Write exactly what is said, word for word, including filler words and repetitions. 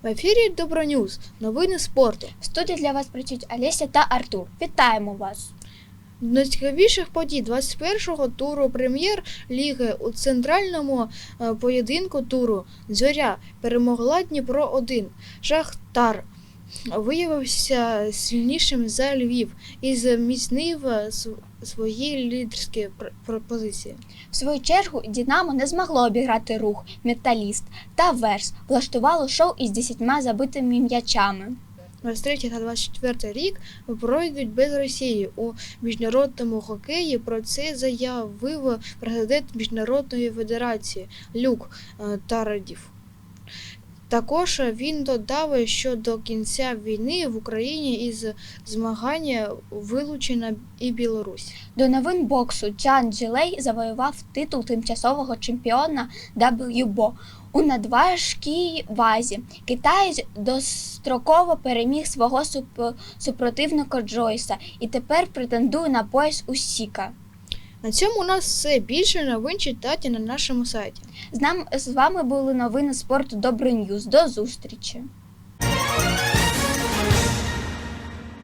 В ефірі Доброньюз. Новини спорту. В студії для вас працюють Олеся та Артур. Вітаємо вас! До найцікавіших подій двадцять першого туру прем'єр-ліги у центральному е, поєдинку туру «Зоря» перемогла Дніпро один. Шахтар виявився сильнішим за Львів і зміцнив свої лідерські пропозиції. В свою чергу Динамо не змогло обіграти Рух, Металіст та Верс. Влаштувало шоу із десятьма забитими м'ячами. двадцять третій та двадцять четвертий рік пройдуть без Росії у міжнародному хокеї. Про це заявив президент Міжнародної федерації Люк Тарадів. Також він додав, що до кінця війни в Україні із змагання вилучена і Білорусь. До новин боксу Чжан Джилей завоював титул тимчасового чемпіона дабл ю бі о у надважкій вазі. Китаєць достроково переміг свого суп- супротивника Джойса і тепер претендує на пояс Усіка. На цьому у нас все. Більше новин читайте на нашому сайті. З, нам, з вами були новини спорту Доброньюз. До зустрічі!